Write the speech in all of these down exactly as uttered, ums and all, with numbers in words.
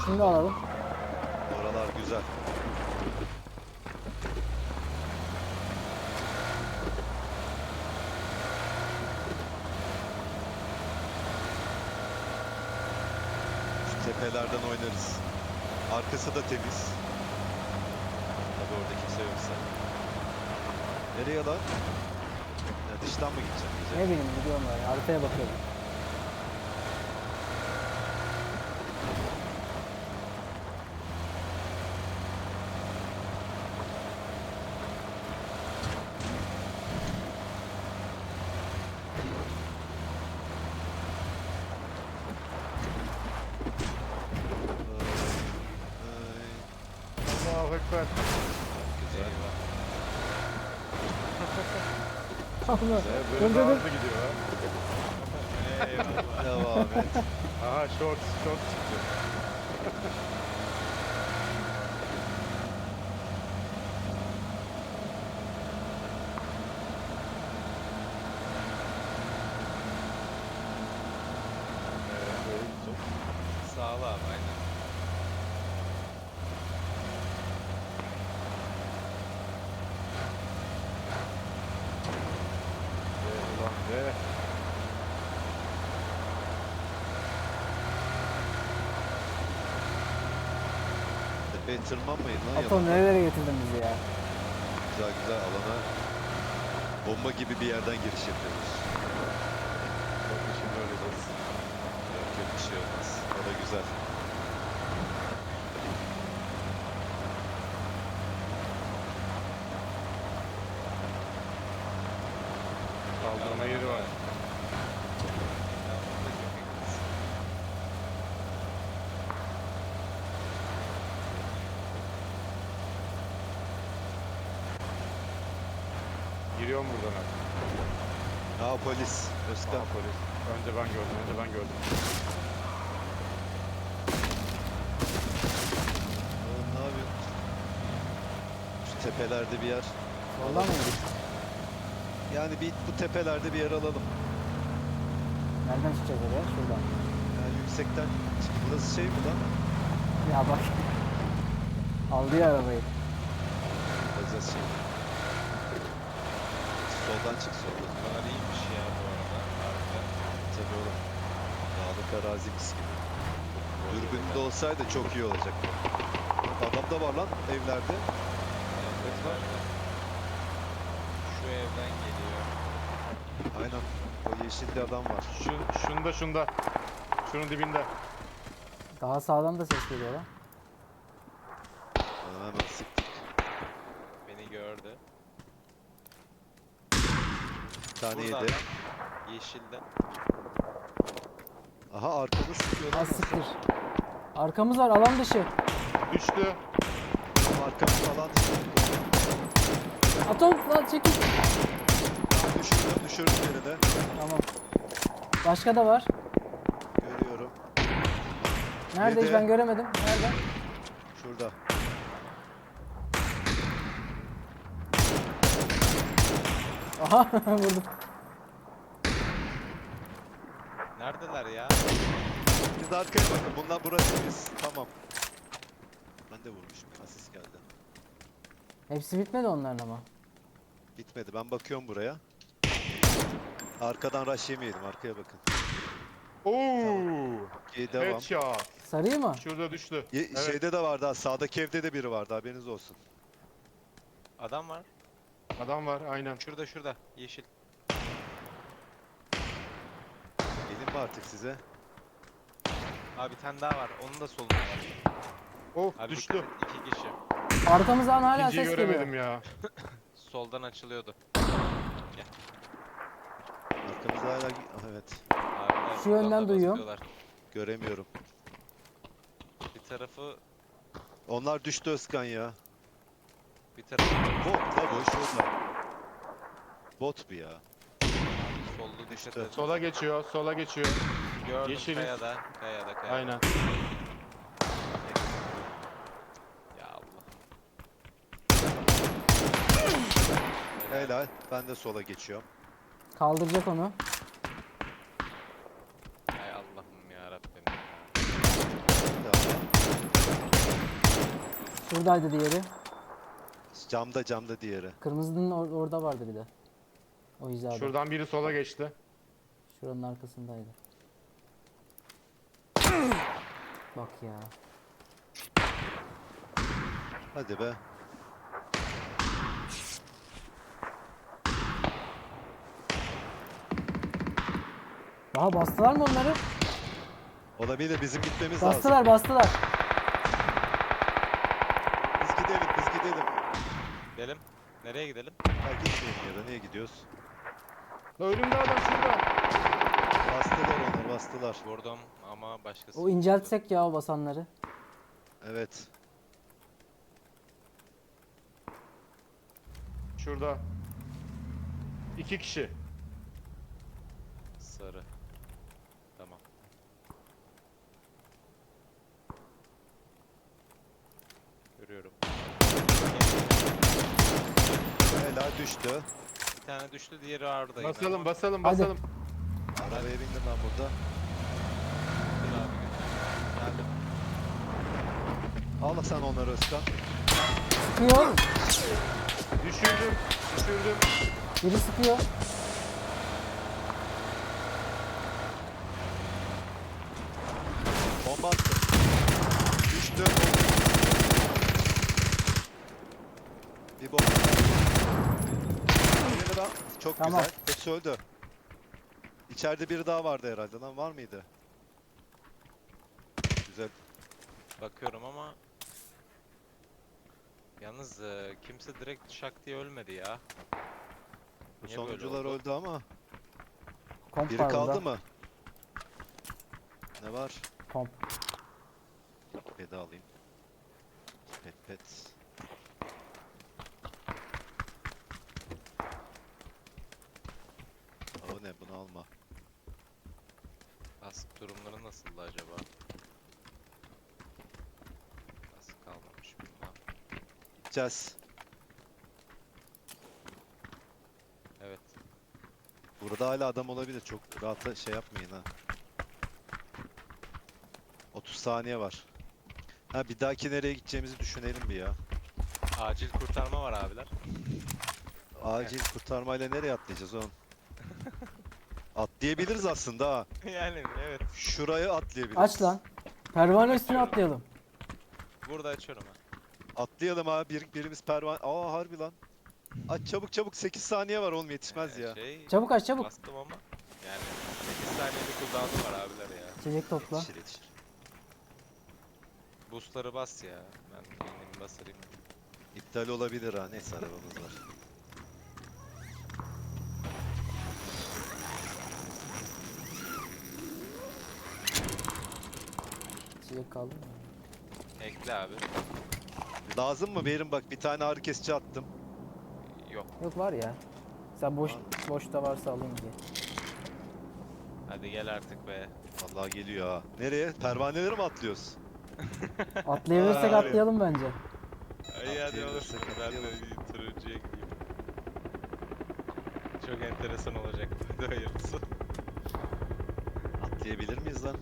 Şunu da alalım. Oralar güzel. Şu tepelerden oynarız. Arkası da temiz. Tabii orada kimse yoksa. Nereye lan? Ya dıştan mı gideceğim? Ne bileyim gidiyorum böyle. Haritaya bakıyorum. Allahu Ekber. Güzel. Allah. Ee, Dur Böyle dur daha dur. hızlı gidiyor ha. Eyvallah. Devam et. Aha short short çıktı. Ee, böyle gidecek. Sağ ol abi aynen. Ve ulan ve. Tepeye tırmanmayın lan Atom yalan. nerelere getirdin bizi ya? Güzel güzel alana bomba gibi bir yerden giriş yapıyoruz. Bakın şimdi öleceğiz. Yok yok bir şey olmaz. O da güzel. Kaldırma yeri var. Ya burada çok yakınız. Giriyorum buradan artık. Aa polis. Özkan. Aha, polis. Önce ben gördüm, önce ben gördüm. Oğlum ne yapıyorsun? Şu tepelerde bir yer. Soldan mı gidiyorsun? Yani bir bu tepelerde bir yer alalım. Nereden çıkacağız oraya? Şuradan. Yani yüksekten. Burası şey mi lan? Ya bak. Aldı ya arabayı. Alacağız şimdi. Soldan çık soldan. Bunlar iyiymiş ya bu arada. Harika. Tabii oğlum. Dağlık arazi mis gibi. Dürbünde olsaydı çok iyi olacak. Adam da var lan evlerde. Evet, var. Şu evden geliyor. Aynen. O yeşilli adam var. Şu, şunda şunda. Şunun dibinde. Daha sağdan da ses geliyor lan. Aa, hemen sıktık. Beni gördü. Bir tane Burada yedi. adam. Yeşilde. Aha arkamı sıkıyor lan. Az siktir. Arkamız var alan dışı. Düştü. Arkamı falan Atom lan çekil. düşürdüm düşürdüm yine de. Tamam. Başka da var. Görüyorum. Nerede hiç Yedi. ben göremedim. Nerede? Şurada. Aha vurdum. Neredeler ya? Siz de arkaya bakın. Bunlar burası biz. Tamam. Ben de vurmuşum. Asist geldi. Hepsi bitmedi onların ama. Bitmedi. Ben bakıyorum buraya. Arkadan rush yemeyelim. Arkaya bakın. Oo! İyi devam. Headshot. Sarıyı mı? Şurada düştü. Ye- Evet. Şeyde de vardı ha. Sağdaki evde de biri vardı. Haberiniz olsun. Adam var. Adam var aynen. Şurada şurada. Yeşil. Gelin mi artık size? Abi bir tane daha var. Onun da solunda var. Of Abi düştü. dikkat et, İki kişi. Arkamızdan hala İkinciyi ses göremedim geliyor. ya. Soldan açılıyordu. Arkamızda hala... Ah, evet. Abi, Şu yönden duyuyorum. Göremiyorum. Bir tarafı Onlar düştü Özkan ya. bir tarafı Bot la bu şurada. Bot bu ya. soldu dikkat Düştü. et. Sola geçiyor, sola geçiyor. Gördüm Yeşiliz. kayada. Kayada kayada. Aynen. Ya Allah. Helal. Ben de sola geçiyorum. Kaldıracak onu. Hay Allah'ım ya Rabbim. Tamam. Şuradaydı diğeri. Camda camda diğeri. Kırmızının or- orada vardı bir de. O hizada. Şuradan biri sola geçti. Şuranın arkasındaydı. Bak ya. Hadi be. Daha bastılar mı onları? Olabilir, bizim gitmemiz lazım. Bastılar bastılar. Biz gidelim biz gidelim. Gidelim. Nereye gidelim? Ha gitmeyelim ya da niye gidiyoruz? La önümde adam şurada. Bastılar onlar bastılar. Vurdum ama başkası. O inceltsek ya o basanları. Evet. Şurada. İki kişi. Sarı. Tamam. Görüyorum. Helal düştü. Bir tane düştü, diğeri ağırda. yine. Basalım basalım Hadi. basalım. Arabaya bindim ben burada. Dur abi, götür. Geldim. Al sen onları Özkan. Sıkıyor. Düşürdüm. Düşürdüm. Biri sıkıyor. Bomba attı. Düştü. Bir bomba. Birini daha. Çok Tamam. güzel. Hepsi öldü. İçeride biri daha vardı herhalde lan, var mıydı? Güzel. Bakıyorum ama yalnız e, kimse direkt şak diye ölmedi ya. Bu Niye böyle sonuncular oldu? öldü ama. Komp Biri var kaldı burada. mı? Ne var? Komp. Pet alayım. Pet pet. O ne, bunu alma. Kask durumları nasıldı acaba? Kask kalmamış bilmem. Gideceğiz. Evet. Burada hala adam olabilir. Çok rahat şey yapmayın ha. otuz saniye var. Ha bir dahaki nereye gideceğimizi düşünelim bir ya. Acil kurtarma var abiler. Acil kurtarmayla nereye atlayacağız oğlum? Atlayabiliriz aslında ha. Yani evet. Şuraya atlayabiliriz. Aç lan. Pervane üstüne atlayalım. Burada açıyorum ha. Atlayalım ha. Bir, birimiz pervane. Aa harbi lan. Aç çabuk çabuk, sekiz saniye var oğlum, yetişmez Ee, ya. Şey, Çabuk aç çabuk. bastım ama yani sekiz saniyede cooldown'u var abiler ya. İçecek topla. Yetişir yetişir. Boostları bas ya. Ben beynimi basarayım. İptal olabilir ha. Neyse arabamız var. İçecek kaldı mı? Ekle abi. Lazım mı? Verin bak, bir tane ağrı kesici attım. Yok. Yok var ya. Sen boş boşta varsa alayım diye. Hadi gel artık be. Vallahi geliyor ha. Nereye? Pervaneleri mi atlıyoruz? Atlayabilirsek Aa, atlayalım bence. İyi hadi olur. Atlayabilirsek Ben de atlayalım. bir turuncuya gideyim. Çok enteresan olacak. Hadi hayırlısı. Atlayabilir miyiz lan?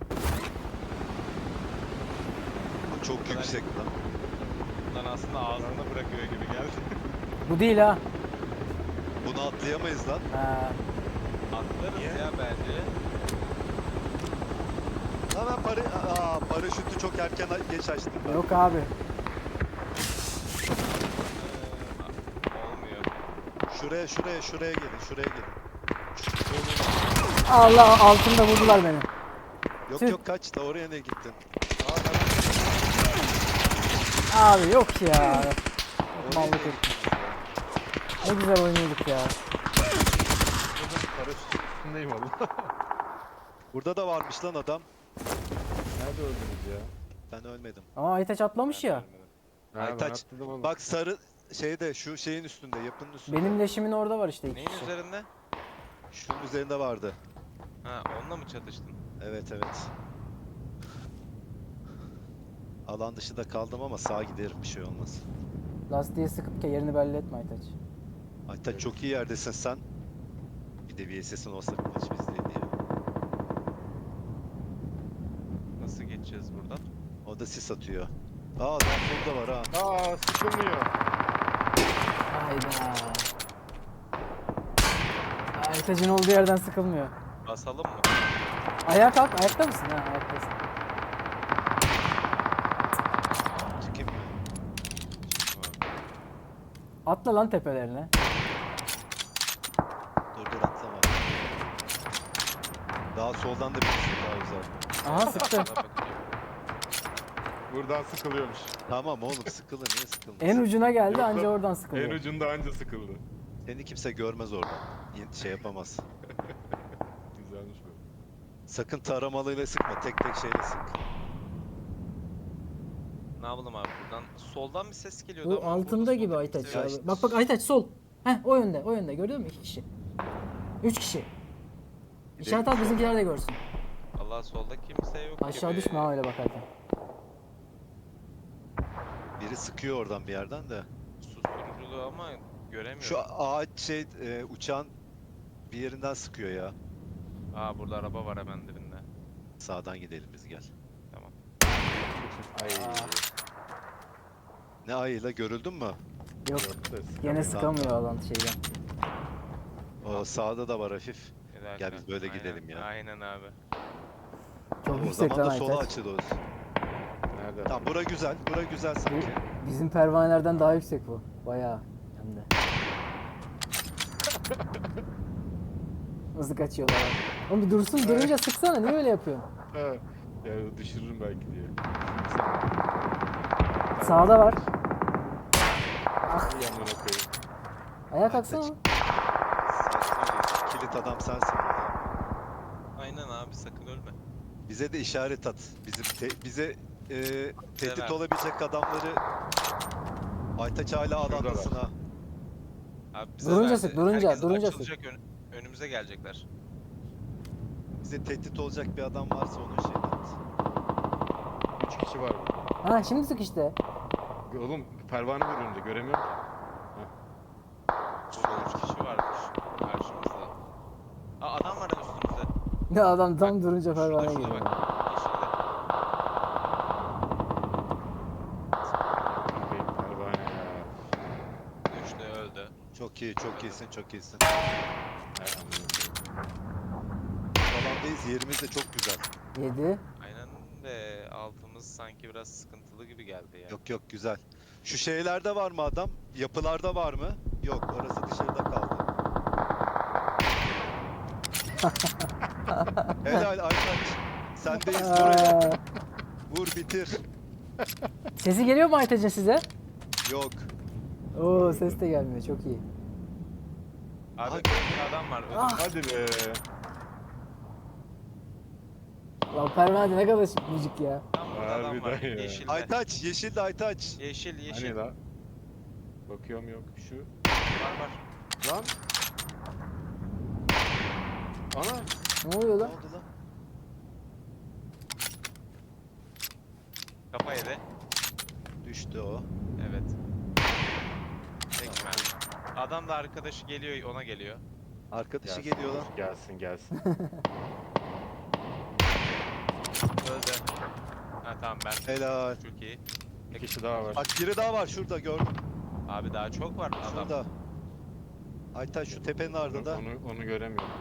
Bu çok kadar- yüksek lan. Lan aslında ağzında bırakıyor gibi geldi. Bu değil ha. Bunu atlayamayız lan. Ha. Atlarız Niye? ya bence. Lan ben para... Aa, paraşütü çok erken geç açtım ben. Yok abi. Ee, olmuyor. Şuraya şuraya şuraya gelin, şuraya gelin. Allah, altında vurdular beni. Yok Tüh. yok, kaç da oraya ne gittin? Abi yok ya. Oraya Mallık niye ettim. gittiniz ya? Ne güzel oynuyorduk ya. Paraşütün üstündeyim oğlum. Burada da varmış lan adam. Nerede öldünüz ya? Ben ölmedim. Ama Aytaç atlamış ya. Ha, ben Aytaç, atladım oğlum. Bak sarı şeyde, şu şeyin üstünde, yapının üstünde. Benim leşimin orada var işte iki Neyin kişi. üzerinde? Şunun üzerinde vardı. Ha, onunla mı çatıştın? Evet evet. Alan dışında kaldım ama sağa giderim, bir şey olmaz. Lastiğe sıkıp ki yerini belli etme Aytaç. Aytaç çok iyi yerdesin sen. Bir de V S S'in olsa maç bizdeydi ya. Nasıl geçeceğiz buradan? O da sis atıyor. Aa adam burada var ha. Aa sıkılmıyor. Hayda. Aytaç'ın olduğu yerden sıkılmıyor. Basalım mı? Ayağa kalk. Ayakta mısın? Ha ayaktasın. Çıkayım mı? Atla lan tepelerine. Dur dur atlama. Daha soldan da birisi daha güzel. Aha sıktı. Bana bakıyor. Buradan sıkılıyormuş. Tamam oğlum sıkılır niye sıkılmasın? En ucuna geldi Yok anca lan, oradan En sıkılıyor. ucunda anca sıkıldı. Seni kimse görmez oradan. Yine Şey yapamaz. Güzelmiş bu. Sakın taramalıyla sıkma. Tek tek şeyle sık. Ne yapalım abi buradan? Soldan bir ses geliyordu Bu ama altında burada gibi soldan Aytaç kimse ya. yok. işte. Bak bak Aytaç sol. Heh o yönde o yönde gördün mü? İki kişi. Üç kişi. İşaret at bizimkiler de görsün. Allah solda kimse yok Aşağı gibi. düşme ha öyle bakarken. Biri sıkıyor oradan bir yerden de. Susturuculuğu ama göremiyorum. Şu ağaç şey e, uçağın bir yerinden sıkıyor ya. Aa burada araba var hemen dibinde. Sağdan gidelim biz gel. Tamam. Ay. Ne ayıyla görüldün mü? Yok Yok da gene sıkamıyor. sıkamıyor alan şeyden. O sağda da var hafif. Bir dakika. Gel biz böyle Aynen, gidelim ya. Aynen abi. Çok O yüksek zaman lan da sola Aytaç. açılıyoruz. Nerede? Tamam bura güzel. Bura güzel sanki. Bizim pervanelerden daha yüksek bu. Bayağı hem de. Nasıl kaçıyorlar? Oğlum bir dursun durunca sıksana niye öyle yapıyorsun? Ha. Ya düşürürüm belki diye. Sağda var. İyi amına koyayım. Ayağa kalksana. Sakin ol. Kilit adam sensin burada. Aynen abi sakın ölme. Bize de işaret at. Bizim te- bize e, tehdit ver. olabilecek adamları Aytaç hala adamdasın ha. Abi bize Durunca verdi. sık, durunca, Herkes durunca açılacak, ön- önümüze gelecekler. Bize tehdit olacak bir adam varsa onun şeyini at. Üç kişi var burada. Ha şimdi sık işte. Oğlum pervane var önünde göremiyorum ki. Burada üç kişi varmış karşımızda. Aa adam var üstümüzde. Ne adam tam durunca Şurada pervaneye şurada giriyor. bak. Yeşilde. Bakayım pervane ya. Düştü öldü. Çok iyi, çok iyisin, çok iyisin. Ay amına koyayım. Alandayız, yerimiz de çok güzel. Yedi. Aynen de altımız sanki biraz sıkıntılı gibi geldi ya. Yok yok güzel. Şu şeylerde var mı adam? Yapılarda var mı? Yok, orası dışarıda kaldı. Helal Aytaç. Sendeyiz buraya. Aa, Vur bitir. sesi geliyor mu Aytaç'ın size? Yok. Oo ses de gelmiyor çok iyi. Abi Aha. önümde adam var. Ah. Hadi be. Lan pervane ne kadar müzik ya. Tam burada adam var. Harbiden ya. Yeşilde. Aytaç, yeşil de Aytaç. Yeşil yeşil. Hani la? Bakıyorum yok şu. Var var. Lan. Ana. Ne oluyor Ne lan? oldu lan? Kafa yedi. Düştü o. Evet. Tekmen. Adam da arkadaşı geliyor ona geliyor. Arkadaşı Gelsin, geliyor lan. Gelsin gelsin. Öldü. Ha tamam ben. Helal. Çok iyi. Bir kişi daha var. Bak biri daha var şurada gördüm. Abi daha çok var adam. Şurada. Aytaç şu tepenin Onu, ardında. onu, onu göremiyorum.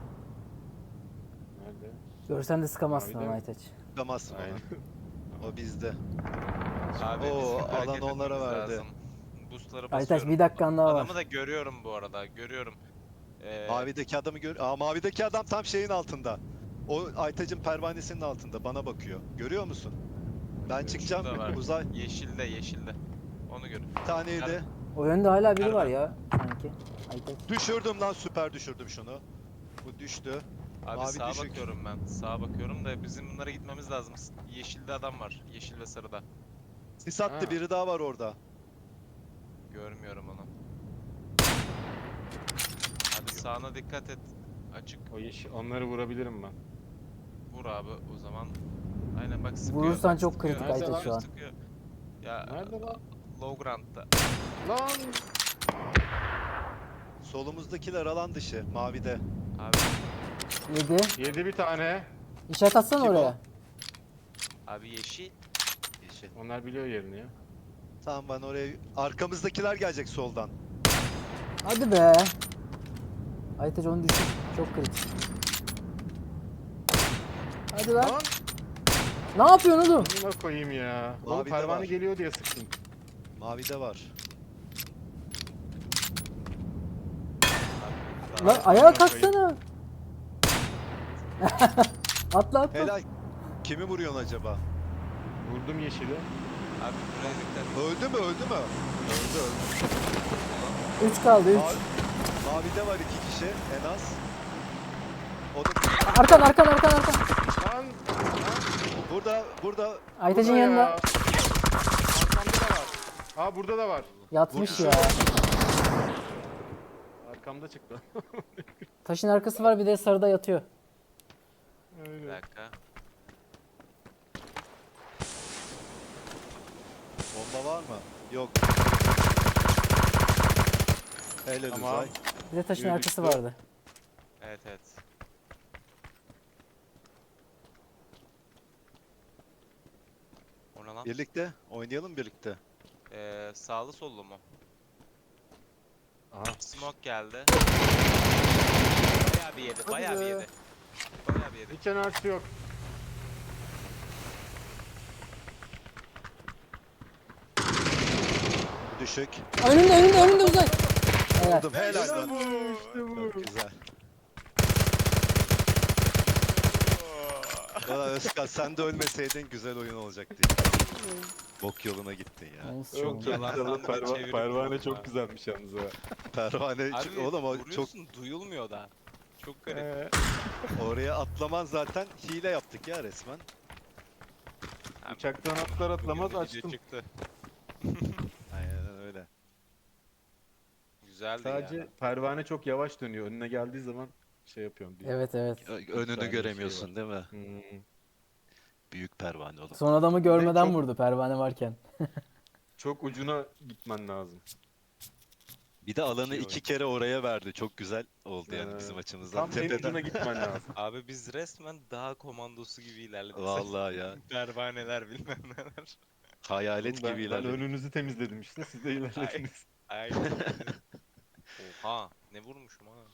Nerede? Görsen de sıkamazsın Mavi de lan mi? Aytaç. Çıkamazsın Aynen. ona. O bizde. Abi Oo, bizim alan hareket onlara etmemiz verdi. lazım. Boostları Aytaç basıyorum. bir dakikan daha var. Adamı da görüyorum bu arada. Görüyorum. Ee, Mavideki adamı gör. Aa mavideki adam tam şeyin altında. O Aytaç'ın pervanesinin altında bana bakıyor. Görüyor musun? Ben çıkacağım şurada var. uzay. Yeşilde yeşilde. Onu gör. Bir taneydi. O yönde hala biri var Nerede? ya sanki. Aytaç. Düşürdüm lan süper düşürdüm şunu. Bu düştü. Abi Mavi sağa düşük. bakıyorum ben. Sağa bakıyorum da bizim bunlara gitmemiz lazım. Yeşilde adam var. Yeşil ve sarıda. Sis attı Ha. biri daha var orada. Görmüyorum onu. Abi sağına dikkat et. Açık. O yeşil, onları vurabilirim ben. Vur abi o zaman. Aynen bak sıkıyor. Vurursan bak, çok sıkıyor, kritik Aytaç sıkıyor, şu an. sıkıyor. Ya Nerede lan? low ground'da. Lan! Solumuzdakiler alan dışı mavide. Abi Yedi. Yedi bir tane. İşaret atsana Kim o? oraya. abi yeşil. Yeşil. kişi. Onlar biliyor yerini ya. Tamam ben oraya... Arkamızdakiler gelecek soldan. Hadi be. Aytaç onu düşün. Çok kritik. Hadi lan. Lan! Ne yapıyorsun oğlum? Amına koyayım ya. Oğlum Mavi de pervane var. geliyor diye sıktım. Mavide var. Lan ayağa kalksana. Atla atla. Helal. Kimi vuruyorsun acaba? Vurdum yeşili. Abi buraya dikkat. Öldü mü öldü mü? Öldü öldü. üç kaldı üç. Mavi, mavide var iki kişi en az. O da Arkan arkan arkan arkan. Lan! burada burada Aytaç'ın Burada yanında. ya. Arkamda da var. Aa burada da var. Yatmış Vurdu. ya. Arkamda çıktı. Taşın arkası var bir de sarıda yatıyor. Bir Öyle. dakika. bomba var mı? Yok. Helal Tamam. Uzay. Bir de taşın Yürü arkası düştü. vardı. Evet evet. O ne lan? Birlikte oynayalım birlikte. Ee, sağlı sollu mu? Aha. Smoke geldi. Bayağı bir yedi, bayağı bir be. yedi. Bayağı bir yedi. Hiç enerjisi yok. Düşük. Önünde önünde önünde Uzay. Evet. Vurdum helal lan. İşte bu. Çok güzel. Valla Özkan sen de ölmeseydin güzel oyun olacaktı. Bok yoluna gittin ya. Olsun. Çok Yalan güzel. sandım, Perva çevirip pervane vurdum çok ha. güzelmiş yalnız ha. Pervane Abi oğlum o çok vuruyorsun duyulmuyor da. Çok garip. Ee, oraya atlaman zaten hile yaptık ya resmen. Abi, uçaktan atlar atlamaz bugün de video açtım. çıktı. Aynen öyle. Güzeldi Sadece ya. pervane çok yavaş dönüyor. Önüne geldiği zaman şey yapıyorum. Bir... Evet evet. Ö- tane Önünü şey göremiyorsun değil mi? Hmm. Büyük pervane oğlum. Son adamı görmeden çok- vurdu pervane varken. Çok ucuna gitmen lazım. Bir de alanı İyi iki oyun. kere oraya verdi. Çok güzel oldu yani Ee, bizim açımızdan. Tam en Tepeden. ucuna gitmen lazım. Abi biz resmen dağ komandosu gibi ilerledik. Vallahi ya. Pervaneler bilmem neler. Hayalet ben, gibi ben ilerledik. önünüzü temizledim işte. Siz de ilerlediniz. Aynen. Oha ne vurmuşum ha.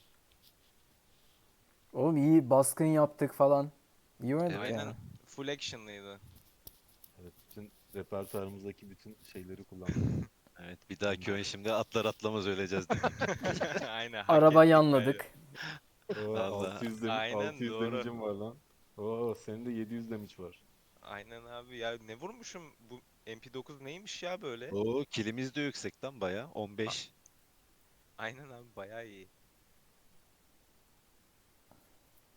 Oğlum iyi baskın yaptık falan. İyi oynadık Aynen. yani. Full action'lıydı. Evet, bütün repertuarımızdaki bütün şeyleri kullandım. Evet bir dahaki oyun şimdi atlar atlamaz öleceğiz dedik. Aynen. hak Araba ettik yanladık. Oo, Vallahi. altı yüz, demi- Aynen, altı yüz doğru. damage'im var lan. Oo senin de yedi yüz damage var. böyle. Aynen abi ya ne vurmuşum bu M P dokuz neymiş ya böyle? Oo kilimiz de yüksek lan baya. on beş. Aynen abi bayağı iyi.